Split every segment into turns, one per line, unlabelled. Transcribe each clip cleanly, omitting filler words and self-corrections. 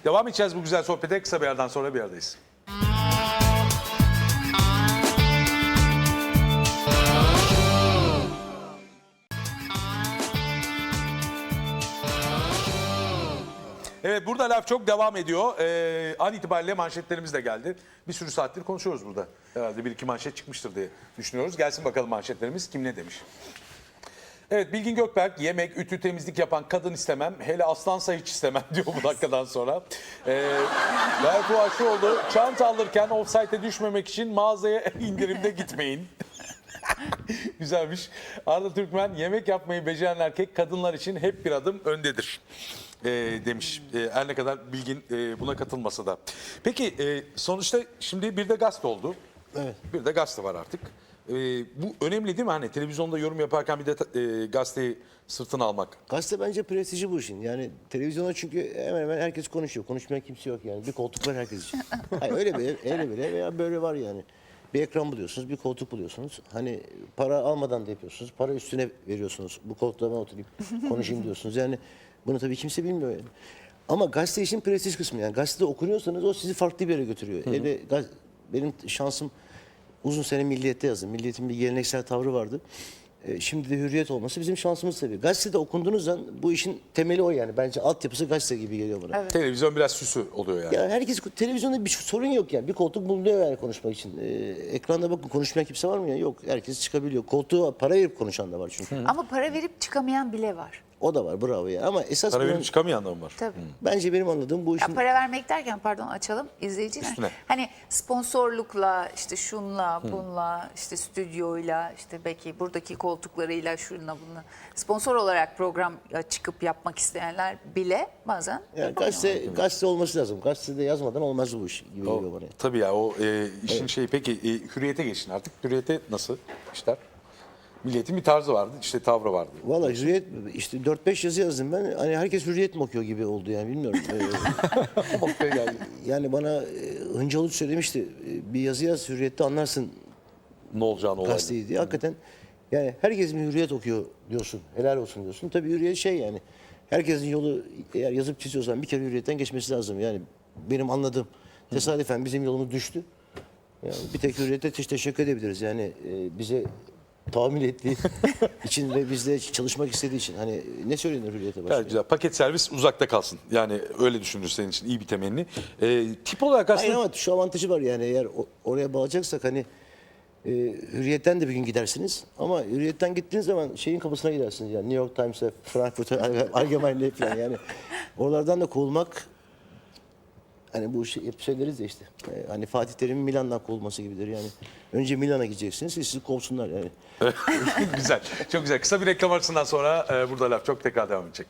Devam edeceğiz bu güzel sohbete. Kısa bir yerden sonra bir aradayız. Evet, burada laf çok devam ediyor. An itibariyle manşetlerimiz de geldi. Bir sürü saattir konuşuyoruz burada. Herhalde bir iki manşet çıkmıştır diye düşünüyoruz. Gelsin bakalım manşetlerimiz kim ne demiş. Evet, Bilgin Gökberk, yemek, ütü, temizlik yapan kadın istemem. Hele aslansa hiç istemem diyor bu dakikadan sonra. Berfu Aşıoğlu, çanta alırken offsite'e düşmemek için mağazaya indirimde gitmeyin. Güzelmiş. Arda Türkmen, yemek yapmayı beceren erkek kadınlar için hep bir adım öndedir. Demiş. Her ne kadar Bilgin buna katılmasa da. Peki sonuçta şimdi bir de gazete oldu.
Evet.
Bir de gazete var artık. Bu önemli değil mi? Hani televizyonda yorum yaparken bir de gazeteyi sırtına almak.
Gazete bence prestiji bu işin. Yani televizyona çünkü hemen hemen herkes konuşuyor. Konuşmayan kimse yok yani. Bir koltuk var herkes için. Hayır, öyle bile veya böyle var yani. Bir ekran buluyorsunuz, bir koltuk buluyorsunuz. Hani para almadan da yapıyorsunuz. Para üstüne veriyorsunuz. Bu koltuğa ben oturayım, konuşayım diyorsunuz. Yani bunu tabii kimse bilmiyor yani. Ama gazete işin prestij kısmı yani. Gazetede okunuyorsanız o sizi farklı bir yere götürüyor. Benim şansım uzun sene Milliyet'te yazdım. Milliyet'in bir geleneksel tavrı vardı. Şimdi de Hürriyet olması bizim şansımız tabii. Gazetede okunduğunuz zaman bu işin temeli o yani. Bence altyapısı gazete gibi geliyor bana.
Evet.
Televizyon biraz süsü oluyor yani.
Ya herkes televizyonda bir sorun yok yani. Bir koltuk bulunuyor yani konuşmak için. Ekranda bakın konuşmayan kimse var mı ya? Yok. Herkes çıkabiliyor. Koltuğa para verip konuşan da var çünkü.
Ama para verip çıkamayan bile var.
O da var bravo ya. Ama esas
Para
bunun-
verip çıkamayan da mı var?
Tabii.
bence benim anladığım bu
Ya
işin
para vermek derken pardon açalım izleyiciler.
Üstüne.
Hani sponsorlukla işte şunla bunla işte stüdyoyla işte belki buradaki koltuklarıyla şunla bunla sponsor olarak program çıkıp yapmak isteyenler bile bazen
yani gazete olması lazım. Gazetede yazmadan olmaz bu iş gibi geliyor bana.
Tabii ya o işin şeyi. Peki Hürriyet'e geçin artık. Hürriyet'e nasıl işler? Milliyetin bir tarzı vardı, işte tavrı vardı.
Valla Hürriyet işte 4-5 yazı yazdım ben. Hani herkes Hürriyet mi okuyor gibi oldu yani bilmiyorum. Yani bana Hıncal Uç söylemişti. Bir yazı yaz Hürriyet'te anlarsın
Ne olacağını olaydı.
gazeteyi diye. Hakikaten yani herkes mi Hürriyet okuyor diyorsun. Helal olsun diyorsun. Tabii Hürriyet şey yani. Herkesin yolu eğer yazıp çiziyorsan bir kere Hürriyet'ten geçmesi lazım. Yani benim anladığım tesadüfen bizim yolumuz düştü. Yani bir tek Hürriyet'e teşekkür edebiliriz. Yani bize tahammül ettiği için ve bizle çalışmak istediği için. Hani ne söylenir Hürriyet'e başka?
Gayet güzel. Paket servis uzakta kalsın. Yani öyle düşünür senin için. İyi bir temenni. Tip olarak
Hayır
aslında...
ama şu avantajı var yani eğer oraya bağlayacaksak hani Hürriyet'ten de bir gün gidersiniz. Ama Hürriyet'ten gittiğiniz zaman şeyin kapısına gidersiniz yani New York Times'e, Frankfurt'a, Allgemeine'e falan yani. Oralardan da kovulmak hani bu hep söyleriz ya işte. Hani Fatih Terim'in Milan'dan kovulması gibidir yani. Önce Milan'a gideceksiniz, sizi kovsunlar yani.
Güzel. Çok güzel. Kısa bir reklam arasından sonra burada laf çok tekrar devam edecek.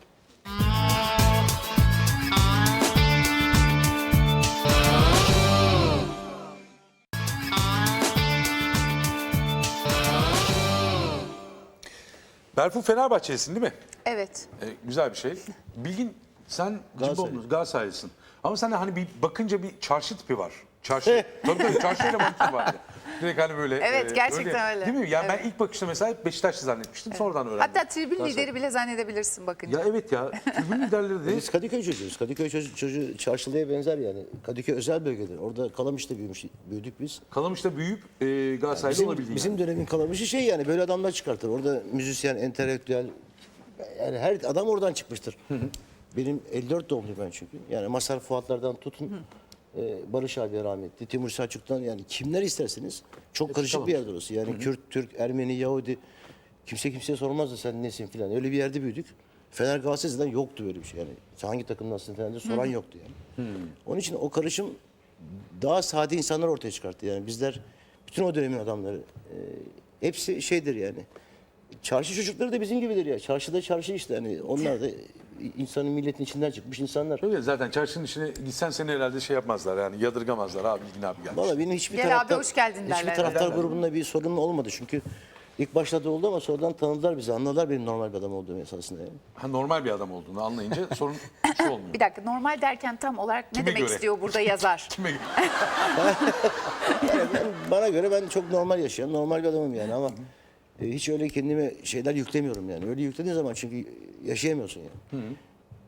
Berfu Fenerbahçelisin değil mi?
evet.
Güzel bir şey. Bilgin sen Galatasaraylısın. Ama sen de hani bir bakınca bir çarşı tipi var. Çarşı. tabii çarşı elemanı var. Direkt hani böyle.
Evet, gerçekten öyle.
Değil mi? Yani
Evet.
ben ilk bakışta mesela hep Beşiktaşlı zannetmiştim. Sonradan öğrendim.
Hatta tribün
Galatasaray.
lideri bile zannedebilirsin bakınca.
Ya evet ya. Tribün liderleri de
Biz Kadıköy çocuğuyuz. Kadıköy çocuğu Çarşılı'ya benzer yani. Kadıköy özel bölgedir. Orada Kalamış'ta büyüdük biz.
Kalamış'ta büyüyüp Galatasaraylı
Bizim,
olabildiğin
bizim
yani.
dönemin Kalamış'ı şey yani böyle adamlar çıkartır. Orada müzisyen, entelektüel yani her adam oradan çıkmıştır. Benim 54 doğumluyum ben çünkü. Yani Mazhar Fuatlardan tutun Barış abi rahmetli, Timur Selçuk'tan yani kimler isterseniz çok karışık bir yerdir orası. Yani Kürt, Türk, Ermeni, Yahudi kimse kimseye sormazdı sen nesin filan. Öyle bir yerde büyüdük. Fener Galatasaray'dan yoktu böyle bir şey yani. Sen hangi takımdansın falan diye soran yoktu yani. Onun için o karışım daha sade insanlar ortaya çıkarttı. Yani bizler bütün o dönemin adamları hepsi şeydir yani. Çarşı çocukları da bizim gibidir ya. Çarşıda çarşı işte hani onlar da insanın milletin içinden çıkmış insanlar.
Öyle zaten çarşının içine gitsen seni herhalde şey yapmazlar yani yadırgamazlar abi Bilgin abi gelmiş.
Valla benim hiçbir
Gel
taraftar,
abi, hoş geldin
hiçbir
derler.
taraftar grubunda bir sorun olmadı. Çünkü ilk başta da oldu ama sonradan tanıdılar bizi. Anladılar benim normal bir adam olduğumu esasında yani.
Ha, normal bir adam olduğunu anlayınca sorun şu olmuyor.
Bir dakika normal derken tam olarak ne
Kime
demek
göre?
istiyor burada yazar?
Kime göre?
Yani bana göre ben çok normal yaşayan, normal bir adamım yani ama hiç öyle kendime şeyler yüklemiyorum yani. Öyle yüklediğin zaman çünkü yaşayamıyorsun yani.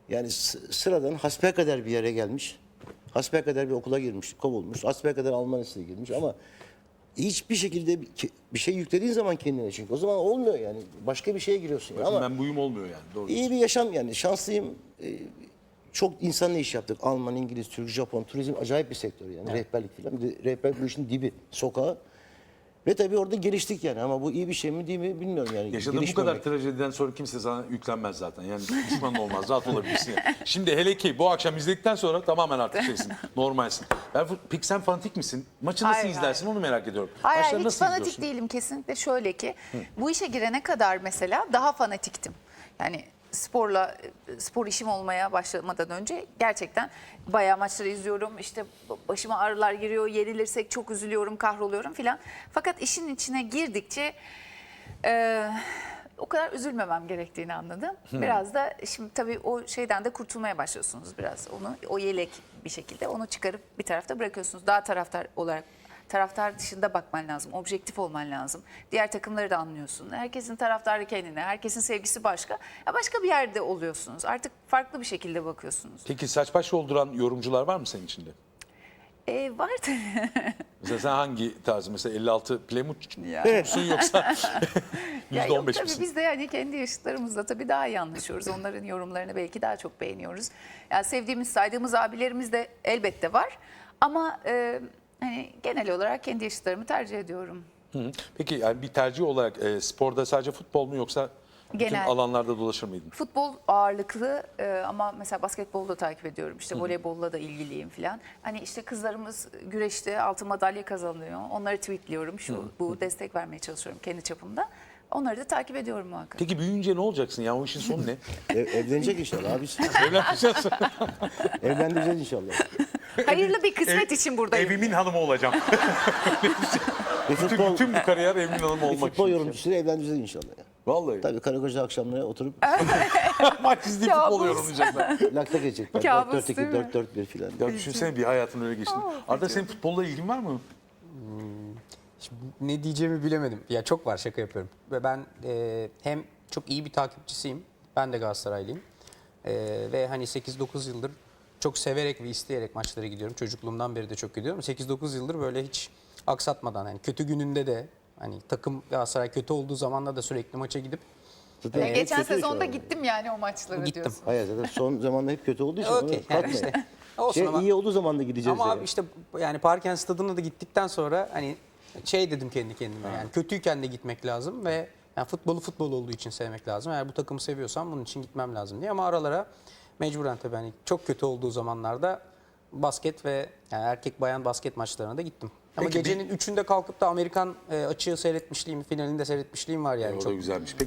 Yani sıradan hasbelkader bir yere gelmiş. Hasbelkader bir okula girmiş, kovulmuş. Hasbelkader Alman lisesine girmiş ama hiçbir şekilde bir şey yüklediğin zaman kendine, çünkü o zaman olmuyor yani. Başka bir şeye giriyorsun. Ama
Ben buyum olmuyor yani. Doğru.
iyi bir yaşam yani. Şanslıyım. Çok insanla iş yaptık. Alman, İngiliz, Türk, Japon. Turizm acayip bir sektör yani. Rehberlik falan. Bir de rehberlik bu işin dibi, sokağı. Ve tabii orada geliştik yani. Ama bu iyi bir şey mi değil mi bilmiyorum yani.
Yaşadığın bu
Gelişmemek.
kadar trajediden sonra kimse sana yüklenmez zaten. Yani düşman olmaz. Rahat olabilirsin. Yani. Şimdi hele ki bu akşam izledikten sonra tamamen artık şeysin. Normalsin. Peki sen fanatik misin? Maçı nasıl
Hayır,
izlersin onu merak ediyorum.
Hayır,
Maçları
hiç
nasıl
fanatik
izliyorsun?
değilim kesinlikle. Şöyle ki bu işe girene kadar mesela daha fanatiktim. Yani spor işim olmaya başlamadan önce gerçekten bayağı maçları izliyorum. İşte başıma ağrılar giriyor, yenilirsek çok üzülüyorum, kahroluyorum filan. Fakat işin içine girdikçe o kadar üzülmemem gerektiğini anladım. Biraz da şimdi tabii o şeyden de kurtulmaya başlıyorsunuz biraz. O yelek bir şekilde onu çıkarıp bir tarafta bırakıyorsunuz. Daha taraftar dışında bakman lazım. Objektif olman lazım. Diğer takımları da anlıyorsun. Herkesin taraftarı kendine, herkesin sevgisi başka. Ya başka bir yerde oluyorsunuz. Artık farklı bir şekilde bakıyorsunuz.
Peki saç baş yolduran yorumcular var mı senin içinde?
Var tabii.
Mesela sen hangi tarzı? Mesela 56 Plymouth
Ya.
musun yoksa
Ya yok
%15
tabii
misin?
biz de yani kendi yaşıtlarımızla tabii daha iyi anlaşıyoruz. Onların yorumlarını belki daha çok beğeniyoruz. Yani sevdiğimiz, saydığımız abilerimiz de elbette var. Ama hani genel olarak kendi yaşıtlarımı tercih ediyorum.
Hı. Peki yani bir tercih olarak sporda sadece futbol mu yoksa bütün
Genel.
alanlarda dolaşır mıydın?
Futbol ağırlıklı ama mesela basketbolu da takip ediyorum. İşte voleybolla da ilgiliyim falan. Hani işte kızlarımız güreşte altın madalya kazanıyor. Onları tweetliyorum. Bu destek vermeye çalışıyorum kendi çapımda. Onları da takip ediyorum muhakkak.
Peki büyüyünce ne olacaksın? Yani o işin sonu ne?
Evlenecek inşallah abi.
Evleneceğiz.
Evlendireceğiz inşallah.
Hayırlı bir kısmet için buradayım.
Evimin hanımı olacağım.
Bir futbol,
Tüm bu kariyer evimin hanımı
bir
olmak
futbol
için.
yorumcusuyla evlendireceğiz inşallah. Ya.
Vallahi.
Tabii karı koca akşamları oturup
Maç izleyip
Kabus.
futbol yorumlayacaklar.
lakta geçecekler.
Kabus
4-4-2,
değil mi?
4-4-1 filan.
Ya düşünsene bir hayatın öyle geçti. Arda senin futbolla ilgin var mı?
Şimdi ne diyeceğimi bilemedim. Ya çok var, şaka yapıyorum. Ve ben hem çok iyi bir takipçisiyim. Ben de Galatasaraylıyım. Ve hani 8-9 yıldır çok severek ve isteyerek maçlara gidiyorum. Çocukluğumdan beri de çok gidiyorum. 8-9 yıldır böyle hiç aksatmadan, hani kötü gününde de, hani takım Galatasaray kötü olduğu zamanda da sürekli maça gidip
Zaten
Ya
hep
geçen
kötü
sezonda
şu an.
gittim yani o maçlara
Gittim.
diyorsun.
Hayır zaten son zamanda hep kötü olduğu için
Okey,
onu
yani
katmayın.
işte olsun ama-
iyi olduğu zaman da gideceğiz.
ama
yani.
abi işte yani Parken Stadı'na da gittikten sonra hani şey dedim kendi kendime, yani kötüyken de gitmek lazım ve yani futbolu futbol olduğu için sevmek lazım. Eğer bu takımı seviyorsam bunun için gitmem lazım diye, ama aralara mecburen tabii hani çok kötü olduğu zamanlarda basket ve yani erkek bayan basket maçlarına da gittim. Ama
Peki
gecenin 3'ünde kalkıp da Amerikan açığı seyretmişliğim, finalinde seyretmişliğim var yani.
O da
Çok
güzelmiş. Peki